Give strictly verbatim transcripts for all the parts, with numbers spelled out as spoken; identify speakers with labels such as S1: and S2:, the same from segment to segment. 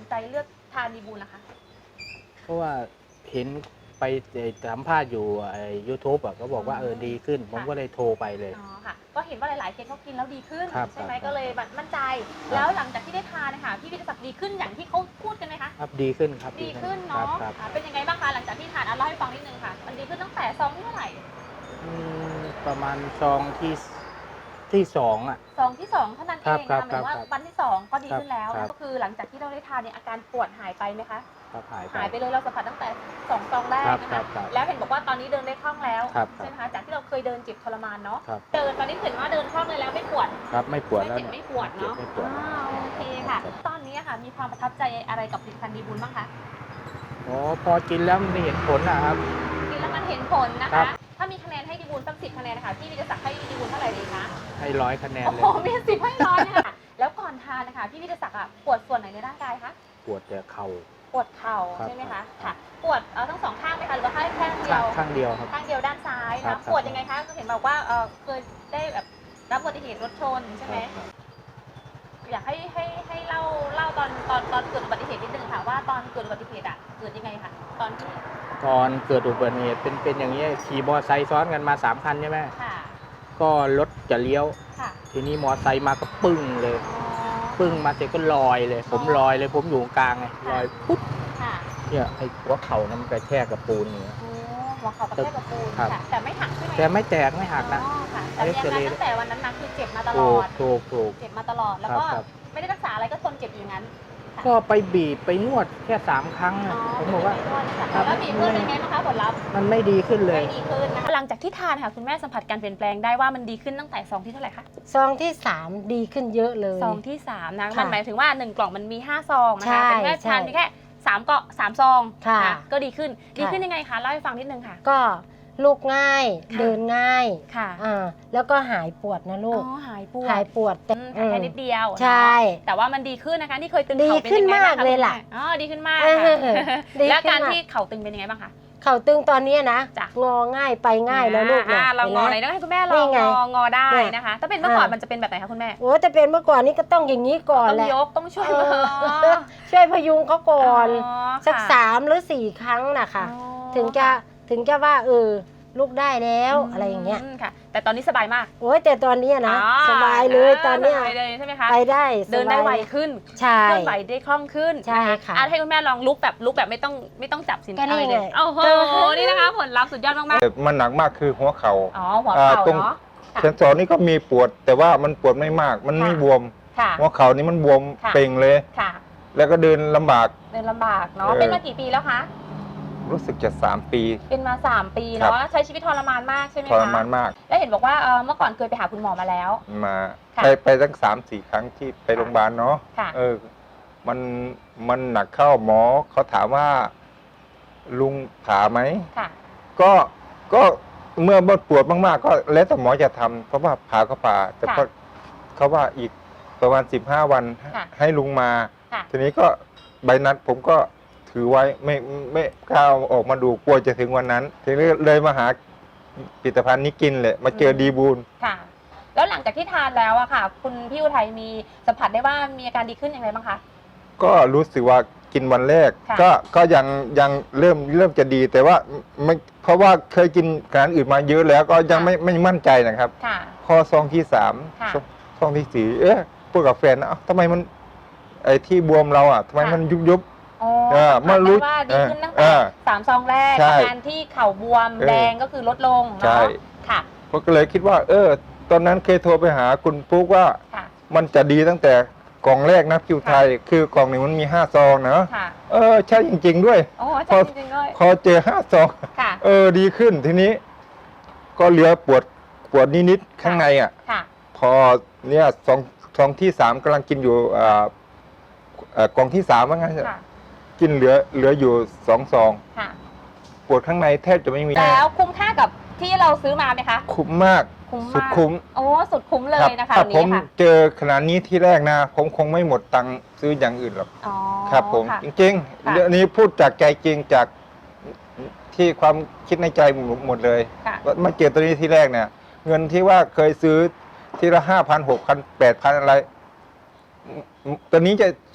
S1: ใจเลือกทานดีบูลนะคะ
S2: เพราะว่าเห็นไปสัมภาษณ์อยู่ไอ้ยูทูบอ่ะก็บอกว่าเออดีขึ้น ผมก็เลยโทรไปเลย
S1: อ๋อค่ะก็เห็นว่าหลายๆเคสเขากินแล้วดีขึ้นใช่ไหม
S2: ครับ
S1: ก็เลยมั่นใจแล้วหลังจากที่ได้ทานนะคะพี่วิทยาศักดิ์ดีขึ้นอย่างที่เขาพูดกันไหมคะ
S2: ครับดีขึ้นครับ
S1: ดีขึ้นเนาะ
S2: ครับ
S1: อ่าเป็นยังไงบ้างคะหลังจากที่ทานอ่ะเล่าให้ฟังนิดนึงค่ะมันดีขึ้นตั้งแต่ซองที่เท่าไหร่
S2: อืมประมาณซองที่ที่สองอ่ะ
S1: ซองที่สองเท่านั้นเอ
S2: ครับ
S1: ง
S2: ครั
S1: นะ
S2: บ
S1: หมายถึงว่า
S2: ครับ
S1: วันที่สองก็ดีขึ้นแล้ว
S2: ครับ
S1: ก็คือหลังจากที่เราได้ทานเนี่ยอาการปวดหายไปไหมคะ
S2: ครับหายไป
S1: หายไปเลยเราสัมผัสตั้งแต่สองซองแรกนะ
S2: ครั
S1: คะ
S2: บครับ
S1: แล้วเห็นบอกว่าตอนนี้เดินได้คล่องแล้ว
S2: ครับ
S1: ใช่ไหมคะจากที่เราเคยเดินเจ็บทรมานเนาะ
S2: ครับ
S1: เดินตอนนี้เห็นว่าเดินคล่องเลยแล้วไม่ปวด
S2: ครับไม่ปวด
S1: ไม่
S2: แล้ว
S1: เจ็บไม่ปวดเนาะ
S2: ไม่ปวด
S1: อ่าโอเคค่ะ ตอนนี้ค่ะมีความประทับใจอะไรกับผลิตภัณฑ์ดีบุญบ้างคะ
S2: อ๋อพอกินแล้วมันเห็นผลนะครับ
S1: กินแล้วมันเห็นผลนะ
S2: ครั
S1: คะ
S2: บ
S1: ถ้ามีคะแนนให้ดีบุญสักสิบคะแนนนะคะพี่วิทยาศักดิ์ให้ดีบุญเท่าไหร่ดีคะ
S2: ให้ร้อยคะแนน
S1: โอ้
S2: เล
S1: โห
S2: ย
S1: มีสิบให้ร้อยเนี่ยค่ะแล้วก่อนทานนะคะพี่วิทยาศักดิ์อ่ะปวดส่วนไหนในร่างกายคะ
S2: ปวดแต่เข่า
S1: ปวดเข่า
S2: ครับ
S1: ใช่ไหม
S2: ครั
S1: คะ
S2: บ
S1: ค่ะปวดเอ่อทั้งสองข้างไหมคะหรือว่าแค่ข้างเดี
S2: ข้า
S1: ยว
S2: งข้างเดียวครับ
S1: ข้างเดียวด้านซ้าย
S2: ครั
S1: นะ
S2: บ
S1: ปวดยังไงคะก็เห็นบอกว่าเออเคยได้แบบรับอุบัติเหตุรถชนใช่ไหม
S2: ครับ
S1: อยากให้ให้ให้เล่าเล่าตอนตอนตอนเกิดอุบัติเหตุนิดนึงค่ะว่าตอนเกิดอุบัติเหตุอ่ะเกิดยังไงคะตอนที่
S2: ตอนเกิดอุบัติเหตุเป็นเป็นอย่างนี้ยขี่มอเตอร์ไซค์ซ้อนกันมาสามคันใช่ไหม
S1: ค่ะ
S2: ก็รถจะเลี้ยว
S1: ค่ะ
S2: ทีนี้มอเตอร์ไซค์มาก็ปึ้งเลย
S1: อ๋อ
S2: ปึ้งมาเสร็จก็ลอยเลย ผมลอยเลยผมอยู่กลางไงลอยปุ๊บ
S1: ค่ะ
S2: เนี่ยไอ้หัวเข่านั้นมันกระแทกกับปูนเนี่ย
S1: โอ้หัวเข่ากระแทกกับปูน
S2: ครับ
S1: ค่ะแต่ไม่หักใช่ไหม
S2: แต่ไม่แตกไม่หักนะ
S1: อ๋อค่ะแต่ยัง
S2: เอ็กซเรย์
S1: ตั้งแต่วันนั้นมาคือเจ็บมาตล
S2: ถู
S1: อก ด
S2: ถูกถูก
S1: เจ็บมาตลอดแล้วก็
S2: ครับ
S1: ไม่ได้รักษาอะไรก็ทนเจ็บอยู่อย่างนั้น
S2: ก็ไปบีบไปนวดแค่สามครั้ง
S1: อ๋
S2: อะ
S1: อ
S2: ผมบอกว่า ครับ
S1: แล้วมีเพื่อนเป็นไงบ้างคะผลลัพธ์
S2: มันไม่ดีขึ้นเลย
S1: ไม่ดีขึ้นนะคะหลังจากที่ทานค่ะคุณแม่สัมผัสการเปลี่ยนแปลงได้ว่ามันดีขึ้นตั้งแต่ซองที่เท่าไหร่คะ
S3: ซองที่สามดีขึ้นเยอะเลย
S1: ซองที่สามนะ
S3: ค่ะ
S1: มันหมายถึงว่าหนึ่งกล่องมันมีห้าซองนะ
S3: ใช่
S1: คะเป็นแค่
S3: ใช่
S1: ทานเพียงแค่สามเกาะสามซอง
S3: ค่ะ
S1: นก็ดีขึ้นดี
S3: ค่ะ
S1: ขึ้นยังไงคะเล่าให้ฟังนิดนึงค่ะ
S3: ก็ลูกง่าย
S1: ค่ะ
S3: เดินง่าย
S1: ค่ะ
S3: อ่าแล้วก็หายปวดนะ
S1: อ๋
S3: ลูก
S1: อหายปวด
S3: หายปวดแต่
S1: อืมแค่นิดเดียว
S3: ใช่
S1: เนาะแต่ว่ามันดีขึ้นนะคะที่เคยตึง
S3: ดี
S1: เข่าเป็น
S3: ขึ้น
S1: ยังไงบ้าง
S3: มาก
S1: คะ
S3: เลยล่ะ
S1: คุณแม่อ๋อดีขึ้นมาก
S3: เอ
S1: ค่ะ
S3: อดี
S1: แล้ว
S3: ขึ้น
S1: การ
S3: ม
S1: ที่เข่าตึงเป็นยังไงบ้างคะ
S3: เข่าตึงตอนนี้นะ
S1: จ้ะ
S3: งอง่ายไปง่ายแล้วลูก
S1: อ่า
S3: นะ
S1: เรางอไหน
S3: ห็น
S1: ต้
S3: ไหม
S1: องให้คุณแม่ล
S3: นี่
S1: อง
S3: ไง
S1: งองอได้
S3: เนี่ย
S1: นะคะ ถ้าเป็นเมื่อก่อน
S3: อ่ามั
S1: มันจะเป็นแบบไหนคะคุณแม่
S3: โอ้แต่เป็นเมื่อก่อนนี้ก็ต้องอย่างนี้ก่อน
S1: ต้อง
S3: แหละ
S1: ยกต้องช่วย
S3: เอ
S1: มือ
S3: อช่วยพยุงเขาก่อน
S1: อ๋อ
S3: สัก
S1: ค่ะ
S3: สามหรือสี่ครั้งนะคะ
S1: อ๋อ
S3: ถึงจะถึงจะว่าเออลูกได้แล้วอะไรอย่างเงี้ย
S1: มค่ะ แต่ตอนนี้สบายมาก
S3: โอ้ยแต่ตอนเนี้ยนะ
S1: อ๋อ
S3: สบายเลยตอนเนี้ย
S1: สบายเลยใช่ไหมคะ
S3: ไปได้สบาย
S1: เดินได้ไวขึ้น
S3: ใช่
S1: เคลื่อนไหวได้คล่องขึ้น
S3: ใช่ค่ะ
S1: อ่ให้คุณแม่ลองลุกแบบลุกแบบไม่ต้องไม่ต้องจับสิน
S3: ก็นี่
S1: อะไรเลย
S3: ไง
S1: โอ้โหนี่นะคะผลลัพธ์สุดยอดมาก
S4: แต่มันหนักมากคือหัวเขา่า
S1: ๆอ๋อหัวเข่า
S4: อ่าตรง
S1: เนาะ ค่ะ
S4: เซนสอนนี่ก็มีปวด แต่ว่ามันปวดไม่มาก มันไม่
S1: ค่ะ
S4: บวม
S1: ค่ะ
S4: หัวเข่านี่มันบวม
S1: ค่ะ
S4: เป่งเลย
S1: ค่ะ
S4: แล้วก็เดินลำบาก
S1: เดินลำบากเนาะ
S4: เออ
S1: เป็นมากี่ปีแล้วคะ
S4: รู้สึกจะสามปี
S1: เป็นมาสามปี
S4: ครั
S1: เนาะ
S4: บ
S1: ใช้ชีวิตทรมานมากใช่ไหม
S4: ท
S1: คะ
S4: รมานมาก
S1: แล้วเห็นบอกว่าเอ่อเมื่อก่อนเคยไปหาคุณหมอมาแล้ว
S4: มา
S1: ค่ะ
S4: ไปไปตั้งสามสี่ครั้งที่ไปโรงพยาบาลเนาะ
S1: ค่ะ
S4: เออ มันมันหนักเข้าหมอเขาถามว่า ลุงผ่าไหม
S1: ค่ะ
S4: ก็ก็เมื่อปวดมากๆ ก็แล้วแต่หมอจะทำเพราะว่าผ่าก็ผ่า แต่
S1: ค่ะ
S4: ก็เขาว่าอีกประมาณสิบห้าวัน
S1: ค่ะ
S4: ให้ลุงมา
S1: ค่ะ
S4: ทีนี้ก็ใบนัดผมก็ถือไว้ไม่ไม่กล้าเอาออกมาดูกลัวจะถึงวันนั้น ทีนี้เลยมาหาผลิตภัณฑ์นี้กินเลยมาเจอดีบูล
S1: ค่ะ แล้วหลังจากที่ทานแล้วอะค่ะ คุณพี่อุทัยมีสัมผัสได้ว่ามีอาการดีขึ้นอย่างไรบ้างคะ
S4: ก็รู้สึกว่ากินวันแรก
S1: ค่ะ
S4: ก็ก็ยังยังเริ่มเริ่มจะดีแต่ว่าไม่เพราะว่าเคยกินอาหารอื่นมาเยอะแล้วก็ยังไม่ไม่มั่นใจนะครับ
S1: ค่ะ
S4: พอซองที่สาม
S1: ค่ะ
S4: ซองซองที่สี่เอ๊ะพูดกับแฟนนะเอ้าทำไมมันไอ้ที่บวมเราอ่ะทำไม
S1: ค่ะ
S4: มันยุบยุบ
S1: อ๋อ
S4: เออ
S1: สัมผัส
S4: เมื่อรู้
S1: ได้ว่าดีขึ้นตั้ง
S4: เอ
S1: แต่
S4: อ
S1: สามซองแรก
S4: ใช่
S1: อาการที่เข่าบวม
S4: เออ
S1: แดงก็คือลดลง
S4: ใช่
S1: เนาะค่ะ
S4: ผมก็เลยคิดว่า เออ ตอนนั้นเคยโทรไปหาคุณปุ๊กว่า
S1: ค่ะ
S4: มันจะดีตั้งแต่กล่องแรกนะคิวไทย คือกล่องหนึ่งมันมีห้าซองนะ
S1: ค่ะ
S4: เออใช่จริง ๆ ด้วย
S1: โอ้
S4: พ
S1: ใช่
S4: อ
S1: จริงๆเลย
S4: พอเจอห้าซอง
S1: ค่ะ
S4: เออดีขึ้นทีนี้ ก็เหลือปวดปวดนิดๆข้างในอ่ะ
S1: ค่ะ
S4: พอเนี่ยซองซองที่สามกำลังกินอยู่อ่าเอ่อกล่องที่สามว่างั้น
S1: ค่ะ
S4: กินเหลือเหลืออยู่สองซอง
S1: ค่ะ
S4: ปวดข้างในแทบจะไม่มี
S1: แล้วคุ้มค่ากับที่เราซื้อมาไหมคะ
S4: คุ้มมาก
S1: คุ้ม
S4: สุด
S1: มาก
S4: คุ้ม
S1: โอ้สุดคุ้มเลย
S4: รับ
S1: นะคะ
S4: ถ้า
S1: อัน
S4: ผ
S1: นี้
S4: ม
S1: ค่ะ
S4: เจอขนาดนี้ที่แรกนะ ผมคงไม่หมดตังค์ซื้ออย่างอื่นหรอก
S1: อ๋อ
S4: ครับ ผม
S1: ค่ะ
S4: จริง
S1: ค่ะ
S4: ๆเรื่องนี้พูดจากใจจริงจากที่ความคิดในใจหมดเลย
S1: ค่ะ
S4: ว่ามาเจอตัวนี้ที่แรกเนี่ย เงินที่ว่าเคยซื้อทีละห้าพันหกพันแปดพันอะไร ตัวนี้จะ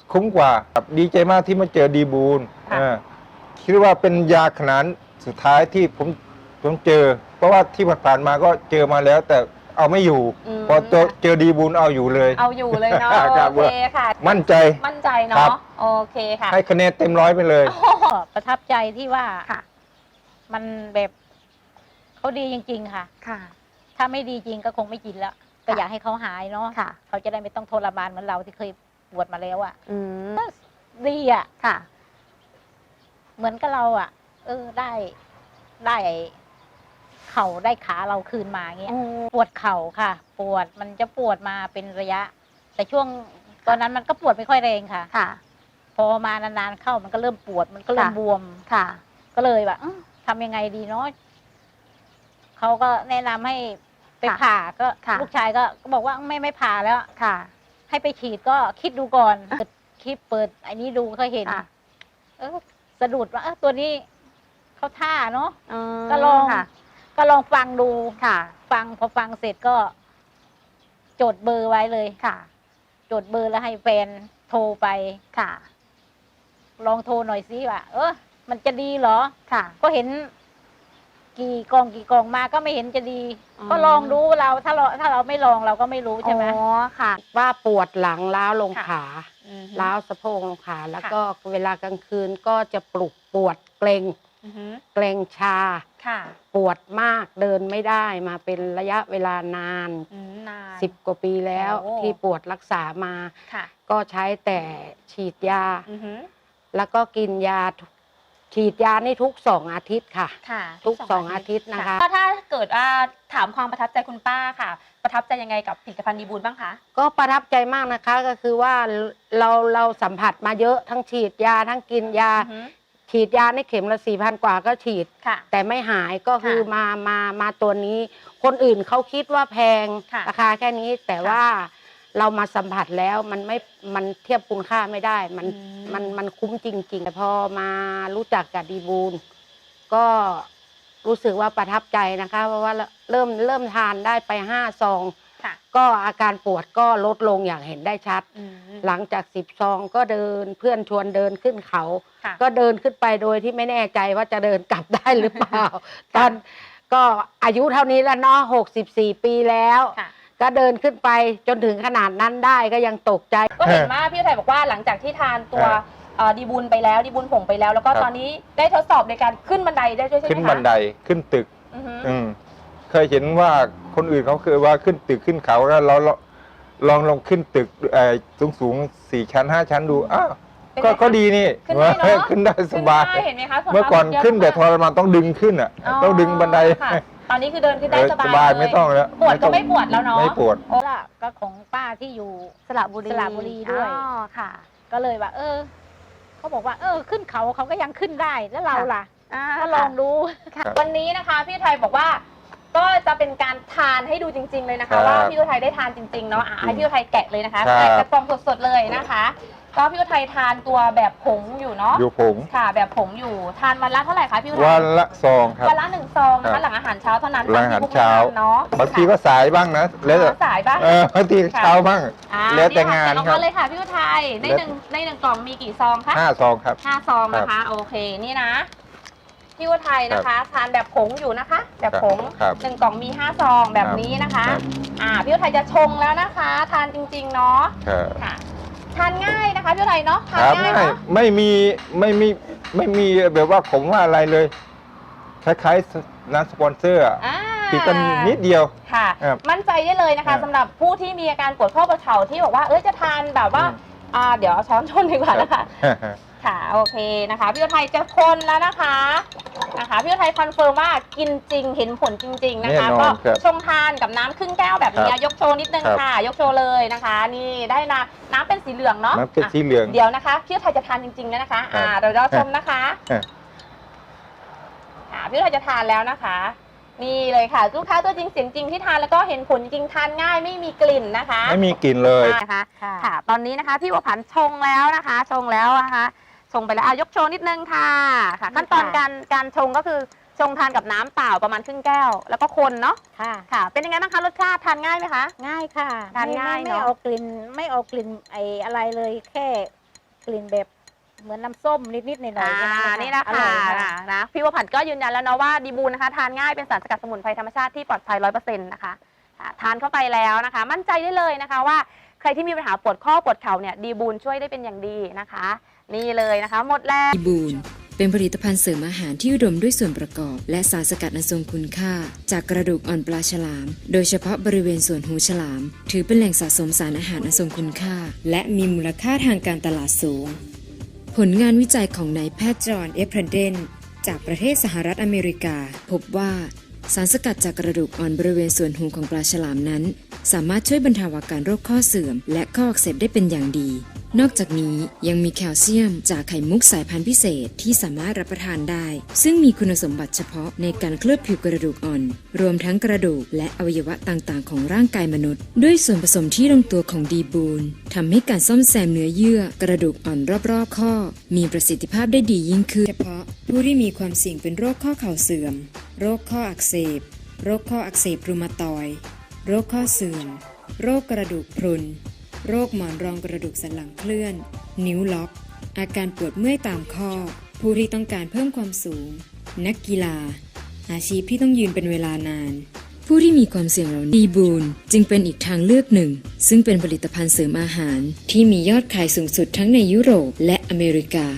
S4: คุ้มกว่าครับดีใจมากที่มาเจอดีบูล
S1: ค่ะ
S4: เออคิดว่าเป็นยาขนาดสุดท้ายที่ผมผมเจอ เพราะว่าที่ผ่านๆมาก็เจอมาแล้ว แต่เอาไม่อยู่
S1: อืม
S4: พอเจอเจอดีบูลเอาอยู่เลย
S1: เอาอยู่เลยเนาะ
S4: ครับ
S1: โอเคค่ะ
S4: มั่นใจ
S1: มั่นใจ
S4: ครั
S1: เนาะ
S4: บ
S1: โอเคค่ะ
S4: ให้คะแนนเต็มร้อยไปเลย
S3: ก็ประทับใจที่ว่า
S1: ค่ะ
S3: มันแบบเขาดีจริง ๆ ค่ะ
S1: ค่ะ
S3: ถ้าไม่ดีจริงก็คงไม่กินแล้ว ก็อยากให้เขาหายเนาะ
S1: ค่ะ
S3: เขาจะได้ไม่ต้องทรมานเหมือนเราที่เคยปวดมาแล้วอะ่ะ
S1: อืม
S3: ดีอะ่ะ
S1: ค่ะ
S3: เหมือนกับเราอะ่ะ เออได้ได้เข่าได้ขาเราคืนมาเงี้ย ปวดเข่าค่ะ ปวดมันจะปวดมาเป็นระยะ แต่ช่วงตอนนั้นมันก็ปวดไม่ค่อยแรงค่ะ
S1: ค่ะ
S3: พอมานานๆเข้ามันก็เริ่มปวดมันก็เริ่ม
S1: ค่ะ
S3: บวม
S1: ค่ะ
S3: ก็เลยแบบอื้อทำยังไงดีเนาะเขาก็แนะนำให้ไป
S1: ค่ะ
S3: ผ่าก็
S1: ค่ะ
S3: ลูกชายก็ก็บอกว่าไม่ไม่ผ่าแล้ว
S1: ค่ะ
S3: ให้ไปฉีดก็คิดดูก่อนเปิดคลิปเปิดไอ้นี้ดูก็เห็น
S1: ค่ะ
S3: เออสะดุดว่าเออตัวนี้เขาท่าเนาะ
S1: อืม
S3: ก็ลอง
S1: ค่ะ
S3: ก็ลองฟังดู
S1: ค่ะ
S3: ฟังพอฟังเสร็จก็ จดเบอร์ไว้เลย
S1: ค่ะ
S3: จดเบอร์แล้วให้แฟนโทรไป
S1: ค่ะ
S3: ลองโทรหน่อยสิว่าเออมันจะดีเหรอ
S1: ค่ะ
S3: ก็เห็น กี่กองกี่กองมาก็ไม่เห็นจะดี
S1: อืม
S3: ก็ลองดูเราถ้าเราถ้าเราไม่ลองเราก็ไม่รู้ใช่ไหม
S1: อ๋อค่ะ
S5: ว่าปวดหลังล้าวลง
S3: ค่ะ
S5: ขา
S1: อืม
S5: ล้าวสะโพกลงขา แล้ว
S1: ค่ะ
S5: ก็เวลากลางคืนก็จะปลุกปวดเกรง
S1: อือฮึ
S5: เกรงชา
S1: ค่ะ
S5: ปวดมากเดินไม่ได้มาเป็นระยะเวลานาน
S1: อืมนาน
S5: สิบกว่าปีแล้ว
S1: โอ้
S5: ที่ปวดรักษามา
S1: ค่ะ
S5: ก็ใช้แต่ฉีดยา
S1: อือฮึ
S5: แล้วก็กินยาทุกฉีดยานี่ทุกสองอาทิตย์ค่ะ
S1: ค่ะ
S5: ทุกสองอาทิตย์นะคะ
S1: ก็ถ้าเกิดว่าถามความประทับใจคุณป้าค่ะ ประทับใจยังไงกับผลิตภัณฑ์ดีบูลบ้างคะ
S5: ก็ประทับใจมากนะคะก็คือว่าเราเราสัมผัสมาเยอะทั้งฉีดยาทั้งกินยา
S1: อือฮึ
S5: ฉีดยาในเข็มละสี่พันกว่าก็ฉีด
S1: ค่ะ
S5: แต่ไม่หายก็คือ
S1: ค่ะ
S5: มามามาตัวนี้ คนอื่นเขาคิดว่าแพง
S1: ค่ะ
S5: ราคาแค่นี้ แต่
S1: ค่ะ
S5: ว่าเรามาสัมผัสแล้วมันไม่มันเทียบคุณค่าไม่ได้ มัน
S1: อืม
S5: มันมันคุ้มจริงๆแต่พอมารู้จักกับดีบูลก็รู้สึกว่าประทับใจนะคะ เพราะว่าเริ่มเริ่มทานได้ไปห้าซอง
S1: ค่ะ
S5: ก็อาการปวดก็ลดลงอย่างเห็นได้ชัด
S1: อืม
S5: หลังจากสิบซองก็เดินเพื่อนชวนเดินขึ้นเขา
S1: ค่ะ
S5: ก็เดินขึ้นไปโดยที่ไม่แน่ใจว่าจะเดินกลับได้หรือเปล่า ตอนก็อายุเท่านี้แล้วเนาะหกสิบสี่ปีแล้ว
S1: ค่ะ
S5: ก็เดินขึ้นไปจนถึงขนาดนั้นได้ก็ยังตกใจ
S1: ก็เห็นว่าพี่อุทัยบอกว่าหลังจากที่ทานตัว
S4: ครับ
S1: เอ่อดีบุญไปแล้วดีบุญผงไปแล้ว แล้วก็
S4: ครับ
S1: ตอนนี้ได้ทดสอบในการขึ้นบันไดได้ด้วยใช่ไหมคะ
S4: ขึ้นบันไดขึ้นตึก
S1: อือฮึ
S4: อืมเคยเห็นว่าคนอื่นเขาเคยว่าขึ้นตึกขึ้นเขาแล้วเราเราลองลองขึ้นตึกสูงสูงๆสี่ชั้นห้าชั้นดูอ้าว
S1: เป็น
S4: ก็
S1: ไงคะ
S4: ก็ดีนี่
S1: ขึ้นได้เนอะ
S4: ขึ้นได้สบาย
S1: ขึ้นได้เห็นไหมคะส่ว
S4: เมื่อก่อน
S1: มาก
S4: ขึ้นแต่ท
S1: เยะ
S4: รมานต้องดึงขึ้นอ่ะ ต้องดึงบันได
S1: ค่ะตอนนี้คือเดินขึ้นได้
S4: เออ
S1: สบาย
S4: สบาย
S1: เล
S4: ไม่ต้องแล้ว
S1: ปวดก็
S4: ต้อง
S1: ไม่ปวดแล้วเนาะ
S4: ไม่ปวด
S3: โอ้ล่ะก็ของป้าที่อยู่
S1: สระบุรี
S3: สระบุรีด้วย
S1: อ๋อค่ะ
S3: ก็เลยว่า เออเขาบอกว่า เออ ขึ้นเขาเขาก็ยังขึ้นได้แล้วเราล่ะ
S1: อ่า
S3: ก็ลองดู
S1: ค่ะ
S4: ครับ
S1: วันนี้นะคะพี่อุทัยบอกว่า ก็จะเป็นการทานให้ดูจริง ๆเลยนะ
S4: ครั
S1: คะ
S4: บ
S1: ว่าพี่อุทัยได้ทานจริงๆเนาะอ่ะให้พี่อุทัยแกะเลยนะคะ
S4: ครับ
S1: แกะกระป๋องสดๆเลยนะคะ ก็พี่อุทัยทานตัวแบบผงอยู่เนาะ
S4: อยู่ผง
S1: ค่ะ แบบผงอยู่ทานวันละเท่าไหร่คะพี่อุทัย
S4: วันละซองครับ
S1: วันละหนึ่งซองนะ
S4: ครั
S1: คะ
S4: บ
S1: หลังอาหารเช้าเท่านั้น
S4: หลังอาหาร
S1: ตมที่
S4: เช้า
S1: พวกแนะนำเนาะ
S4: บางทีก็สายบ้างนะแล้วแต่
S1: อ๋อสายบ้าง
S4: เออบางที
S1: ค่ะ
S4: เช้าบ้าง
S1: อ่า
S4: แล้วแต่
S1: นี่ค่ะ
S4: งาน
S1: แกะออก
S4: ครั
S1: มา
S4: บ
S1: เลยค่ะพี่อุทัยใน
S4: แล้ว
S1: หนึ่งในหนึ่งกล่องมีกี่ซองคะ
S4: ห้าซองครับ
S1: ห้าซองนะคะ โอเคนี่นะพี่อุทัยนะคะ ทานแบบผงอยู่นะคะ แบบผง
S4: ครับ
S1: หนึ่งกล่องมีห้าซองแบบนี้นะคะ
S4: ครับ
S1: อ่าพี่อุทัยจะชงแล้วนะคะ ทานจริงๆเนาะ
S4: ครับ
S1: ค่ะ ทานง่ายนะคะพี่อุทัยเนาะทาน
S4: ครับ
S1: ง่าย
S4: ไม่
S1: เนาะ
S4: ไม่มีไม่มีไม่มีแบบว่าผมว่าอะไรเลย คล้ายๆน้ำสปอนเซอร์อะ
S1: อ่า
S4: ติดกันนิดเดียว
S1: ค่ะ
S4: ครับ
S1: มั่นใจได้เลยนะ
S4: ครั
S1: คะ
S4: บ
S1: สำหรับผู้ที่มีอาการปวดข้อประเข่าที่บอกว่าเอ้ยจะทานแบบว่า
S4: อืม
S1: อ่าเดี๋ยวเอาช้อนชนดีกว่านะคะ ค่ะโอเคนะคะพี่อุทัยจะคนแล้วนะคะนะคะพี่อุทัยคอนเฟิร์มว่ากินจริงเห็นผลจริง ๆนะคะ
S4: แน่นอน
S1: ก็
S4: ครับ
S1: ชงทานกับน้ำครึ่งแก้วแบบนี้
S4: ครับ
S1: ยกโชว์นิดนึง
S4: ครับ
S1: ค่ะ ยกโชว์เลยนะคะ นี่ได้นะน้ำเป็นสีเหลืองเนาะ
S4: น้ำเป็น
S1: อ่ะ
S4: สีเหลือง
S1: เดี๋ยวนะคะพี่อุทัยจะทานจริงๆแล้วนะคะ อ่า
S4: ครับ
S1: เดี๋ยวเราชมนะคะ
S4: ครับ
S1: อ่าพี่อุทัยจะทานแล้วนะคะ นี่เลยค่ะลูกค้าตัวจริงเสียงจริงที่ทานแล้วก็เห็นผลจริงทานง่ายไม่มีกลิ่นนะคะ
S4: ไม่มีกลิ่นเลย
S1: นะคะ
S3: ค่ะ
S1: ค่ะ ตอนนี้นะคะพี่บัวผันชงแล้วนะคะ ชงแล้วนะคะ ชงไปแล้วอ่ะยกโชว์นิดนึงค่ะค่ะ ขั้นตอนการการชงก็คือชงทานกับน้ำเปล่าประมาณครึ่งแก้ว แล้วก็คนเนาะ
S3: ค่ะ
S1: ค่ะ เป็นยังไงบ้างคะรสชาติทานง่ายไหมคะ
S3: ง่ายค่ะ
S1: ทานง่าย
S3: ไม่
S1: เนอะ
S3: ไม่เอากลิ่นไม่เอากลิ่นไออะไรเลยแค่กลิ่นแบบเหมือนน้ำส้มนิดๆหน่อยๆ
S1: อ่า
S3: แค่
S1: นี่นะ
S3: อร่
S1: คะ
S3: อยค่ะ
S1: นะพี่วผัดก็ยืนยันแล้วเนาะว่าดีบูนนะคะทานง่ายเป็นสารสกัดสมุนไพรธรรมชาติที่ปลอดภัยร้อยเปอร์เซ็นต์นะคะอ่าทานเข้าไปแล้วนะคะ มั่นใจได้เลยนะคะว่าใครที่มีปัญหาปวดข้อปวดเข่าเนี่ยดีบูนช่วยได้เป็นอย่างดีนะคะ นี่เลยนะคะ หมดแล้ว
S6: ดีบูนเป็นผลิตภัณฑ์เสริมอาหารที่อุดมด้วยส่วนประกอบ และสารสกัดอันทรงคุณค่า จากกระดูกอ่อนปลาฉลาม โดยเฉพาะบริเวณส่วนหูฉลาม ถือเป็นแหล่งสะสมสารอาหารอันทรงคุณค่า และมีมูลค่าทางการตลาดสูง ผลงานวิจัยของนายแพทย์จอห์นเอฟเพรเดนจากประเทศสหรัฐอเมริกา พบว่าสารสกัดจากกระดูกอ่อนบริเวณส่วนหูของปลาฉลามนั้น สามารถช่วยบรรเทาอาการโรคข้อเสื่อม และข้ออักเสบได้เป็นอย่างดี นอกจากนี้ยังมีแคลเซียมจากไข่มุกสายพันธุ์พิเศษที่สามารถรับประทานได้ ซึ่งมีคุณสมบัติเฉพาะในการเคลือบผิวกระดูกอ่อน รวมทั้งกระดูกและอวัยวะต่างๆของร่างกายมนุษย์ ด้วยส่วนผสมที่ลงตัวของดีบูนทำให้การซ่อมแซมเนื้อเยื่อกระดูกอ่อนรอบๆข้อ มีประสิทธิภาพได้ดียิ่งขึ้นเฉพาะผู้ที่มีความเสี่ยงเป็นโรคข้อเข่าเสื่อม โรคข้ออักเสบ โรคข้ออักเสบรูมาตอยด์โรคข้อเสื่อม โรคกระดูกพรุน โรคหมอนรองกระดูกสันหลังเคลื่อน นิ้วล็อก อาการปวดเมื่อยตามข้อ ผู้ที่ต้องการเพิ่มความสูง นักกีฬา อาชีพที่ต้องยืนเป็นเวลานาน ผู้ที่มีความเสี่ยงเหล่านี้ดีบูนจึงเป็นอีกทางเลือกหนึ่ง ซึ่งเป็นผลิตภัณฑ์เสริมอาหารที่มียอดขายสูงสุดทั้งในยุโรปและอเมริกา